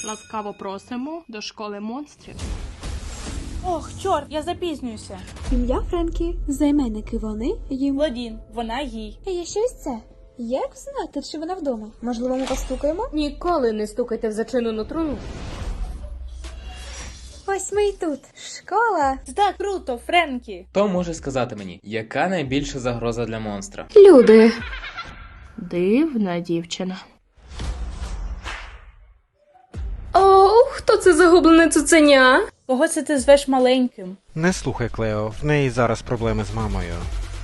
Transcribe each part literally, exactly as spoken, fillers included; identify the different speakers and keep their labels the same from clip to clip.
Speaker 1: Ласкаво просимо до школи монстрів.
Speaker 2: Ох, чорт, я запізнююся.
Speaker 3: Ім'я Френкі, займенники вони, їм.
Speaker 2: Владін, вона їй.
Speaker 3: А є щось це? Як знати, чи вона вдома? Можливо, ми постукаємо?
Speaker 4: Ніколи не стукайте в зачинену труну.
Speaker 3: Ось ми й тут. Школа.
Speaker 2: Це так круто, Френкі.
Speaker 5: Хто може сказати мені, яка найбільша загроза для монстра?
Speaker 4: Люди.
Speaker 1: Дивна дівчина.
Speaker 4: О, хто це загублене цуценя?
Speaker 2: Кого це ти звеш маленьким?
Speaker 6: Не слухай, Клео, в неї зараз проблеми з мамою.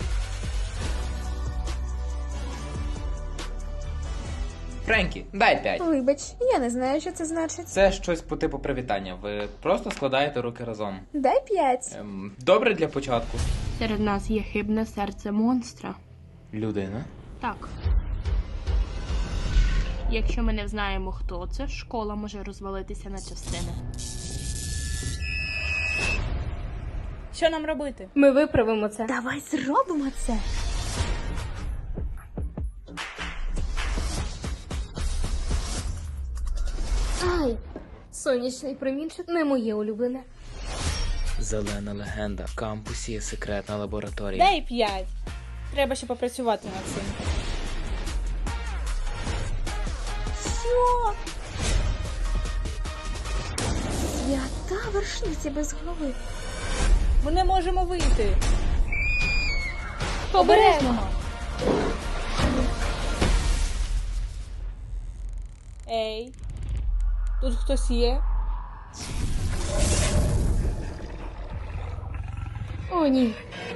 Speaker 5: Френкі, дай п'ять.
Speaker 3: Вибач, я не знаю, що це значить.
Speaker 5: Це щось по типу привітання. Ви просто складаєте руки разом.
Speaker 3: Дай п'ять.
Speaker 5: Ем, добре для початку.
Speaker 1: Серед нас є хибне серце монстра.
Speaker 5: Людина.
Speaker 1: Так. Якщо ми не знаємо, хто це, школа може розвалитися на частини.
Speaker 2: Що нам робити?
Speaker 4: Ми виправимо це.
Speaker 3: Давай зробимо це.
Speaker 4: Ай! Сонячний промінчик не моє улюблене.
Speaker 5: Зелена легенда. В кампусі є секретна лабораторія.
Speaker 2: Дай п'ять. Треба ще попрацювати над цим.
Speaker 3: Що? Свята вершниця без голови.
Speaker 2: Ми не можемо вийти.
Speaker 4: Обережно!
Speaker 2: Ей, тут хтось є?
Speaker 4: О, ні.